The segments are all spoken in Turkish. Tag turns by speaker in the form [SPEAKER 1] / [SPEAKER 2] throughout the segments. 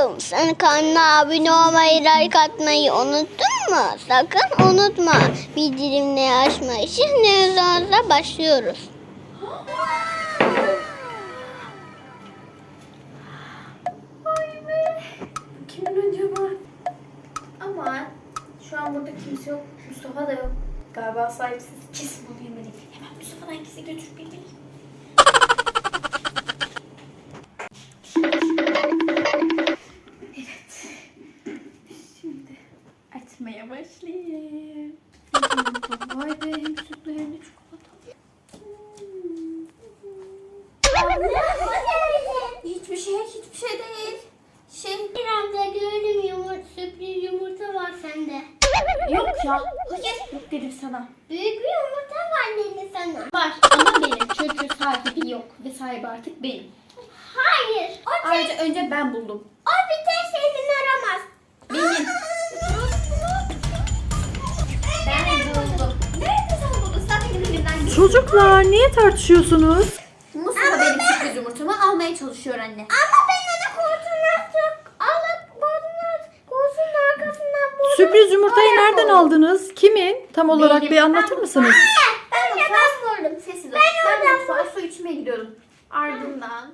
[SPEAKER 1] Mustafa, sen kanala abone olmayı, like atmayı unuttun mu? Sakın unutma. Bildirimleri açmayı. Şimdi videomuza başlıyoruz.
[SPEAKER 2] Vay be. Kimin acaba? Aman. Şu an burada kimse yok. Mustafa da yok. Galiba sahipsiz. Kesin bunu yemeliyim. Hemen Mustafa'dan ikisi götürüp yemeliyim. Evet. Şimdi açmaya başlayayım. Vay be, hem sütlü hem de çikolatalı. Hiçbir şey değil.
[SPEAKER 1] Bir anda gördüm sürpriz yumurta var sende.
[SPEAKER 2] Yok ya. Hayır. Yok dedim sana.
[SPEAKER 1] Büyük bir yumurta var dedi sana.
[SPEAKER 2] Var ama benim. Çünkü sahibi yok. Ve sahibi artık benim.
[SPEAKER 1] Hayır.
[SPEAKER 2] Ayrıca önce ben buldum.
[SPEAKER 1] O bir tek senin aramaz.
[SPEAKER 2] Benim. Ben buldum. Nerede sen buldun? Sen benim elimden gittin.
[SPEAKER 3] Çocuklar niye tartışıyorsunuz?
[SPEAKER 2] Mustafa benim sürpriz yumurtamı almaya çalışıyor anne.
[SPEAKER 1] Ama ben onu koltuğuna alıp koltuğun arkasından buldum.
[SPEAKER 3] Sürpriz yumurtayı nereden aldınız? Kimin? Tam olarak
[SPEAKER 2] Benim.
[SPEAKER 3] bir anlatır mısınız?
[SPEAKER 2] Ben
[SPEAKER 1] buldum.
[SPEAKER 2] Sessiz ol. Ben mutfağa su içmeye gidiyordum. Ardından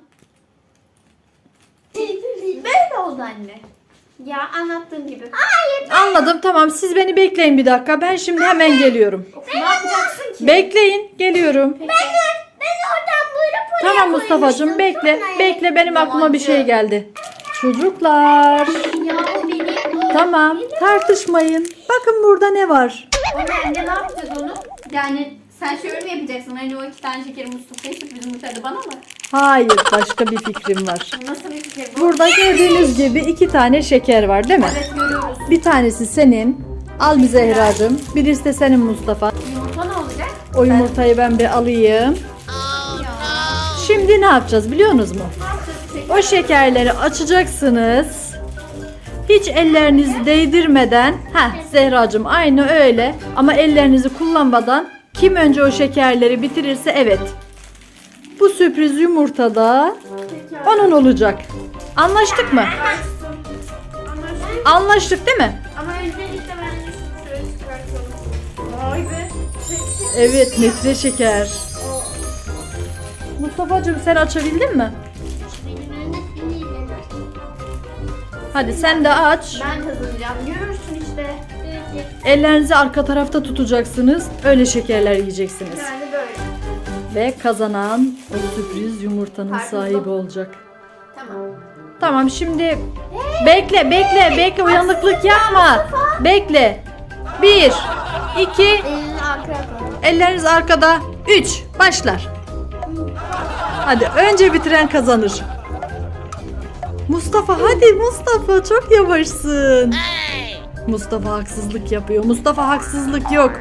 [SPEAKER 2] böyle oldu anne. Ya anlattığım gibi.
[SPEAKER 3] Anladım, tamam, siz beni bekleyin bir dakika. Ben şimdi hemen geliyorum.
[SPEAKER 2] Ne yapacaksın ki?
[SPEAKER 3] Bekleyin, geliyorum.
[SPEAKER 2] Peki.
[SPEAKER 1] Ben oradan buyurup oraya
[SPEAKER 3] Tamam Mustafa'cığım, bekle. Bekle, benim aklıma bir şey geldi. Çocuklar,
[SPEAKER 2] Ya o benim.
[SPEAKER 3] tamam, tartışmayın. Bakın burada ne var?
[SPEAKER 2] O ne yapacağız onu? Yani sen şöyle mi yapacaksın? Hani o 2 tane şekeri Mustafa'ya sürpriz yumurtaydı bana mı?
[SPEAKER 3] Hayır, başka bir fikrim var.
[SPEAKER 2] Nasıl bir fikir bu?
[SPEAKER 3] Burada gördüğünüz gibi 2 tane şeker var, değil mi?
[SPEAKER 2] Evet görüyoruz.
[SPEAKER 3] Bir tanesi senin. Al bir Zehracığım. Birisi de senin Mustafa.
[SPEAKER 2] Yumurta ne olacak?
[SPEAKER 3] O yumurtayı ben bir alayım.
[SPEAKER 2] Ya.
[SPEAKER 3] Şimdi ne yapacağız biliyor musunuz mu?
[SPEAKER 2] Ne yapacağız peki?
[SPEAKER 3] O şekerleri açacaksınız. Hiç ellerinizi değdirmeden. Zehracığım aynı öyle. Ama ellerinizi kullanmadan kim önce o şekerleri bitirirse evet. Bu sürpriz yumurta da
[SPEAKER 2] Peki.
[SPEAKER 3] onun olacak. Anlaştık mı?
[SPEAKER 2] Anlaştık.
[SPEAKER 3] Anlaştık değil mi?
[SPEAKER 2] Ama öncelikle ben de şöyle çıkartalım. Vay be.
[SPEAKER 3] Evet, metre şeker. Mustafa'cığım sen açabildin mi?
[SPEAKER 1] Benim önümde sinirlenir.
[SPEAKER 3] Hadi sen de aç.
[SPEAKER 2] Ben kazanacağım. Görürsün işte.
[SPEAKER 3] Ellerinizi arka tarafta tutacaksınız. Öyle şekerler yiyeceksiniz.
[SPEAKER 2] Yani böyle.
[SPEAKER 3] Ve kazanan o sürpriz yumurtanın
[SPEAKER 2] Karpuzlu.
[SPEAKER 3] sahibi olacak.
[SPEAKER 2] Tamam.
[SPEAKER 3] Tamam, şimdi bekle, uyanıklık yapma. Bekle. 1 2
[SPEAKER 2] Elini arkaya koy.
[SPEAKER 3] elleriniz arkada. 3 başlar. Hadi önce bitiren kazanır. Mustafa, hadi Mustafa, çok yavaşsın. Mustafa haksızlık yapıyor. Mustafa, haksızlık yok.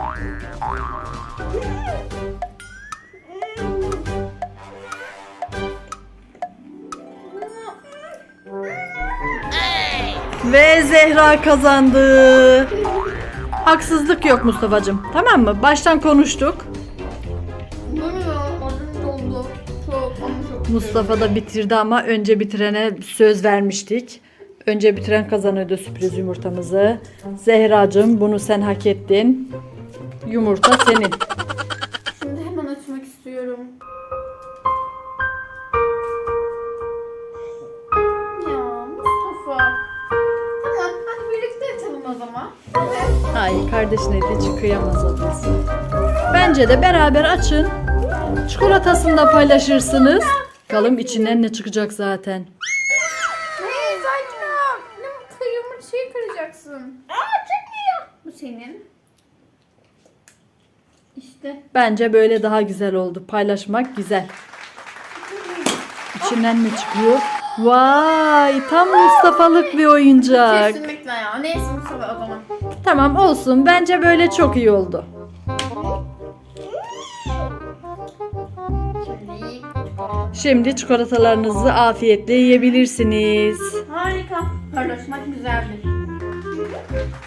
[SPEAKER 3] Ve Zehra kazandı. Haksızlık yok Mustafa'cığım. Tamam mı? Baştan konuştuk.
[SPEAKER 2] Bu ne ya? Adım doldu. Çok ama çok.
[SPEAKER 3] Mustafa da bitirdi ama önce bitirene söz vermiştik. Önce bitiren kazanıyordu sürpriz yumurtamızı. Zehracığım, bunu sen hak ettin. Yumurta senin.
[SPEAKER 2] Şimdi hemen açmak istiyorum. Ya Mustafa. Tamam hadi birlikte açalım o zaman.
[SPEAKER 3] Hayır, kardeşine de hiç kıyamaz olması. Bence de beraber açın. Çikolatasını da paylaşırsınız. Bakalım içinden ne çıkacak zaten.
[SPEAKER 2] Hey sakin ol. Ne yumurtayı kıracaksın. Çıkmıyor. Bu senin. İşte.
[SPEAKER 3] Bence böyle daha güzel oldu. Paylaşmak güzel. İçinden ne çıkıyor? Vay, tam Mustafa'lık bir oyuncak.
[SPEAKER 2] Kesinlikle ya. Neyse Mustafa o zaman.
[SPEAKER 3] Tamam, olsun. Bence böyle çok iyi oldu. Şimdi çikolatalarınızı afiyetle yiyebilirsiniz.
[SPEAKER 2] Harika. Paylaşmak güzeldir.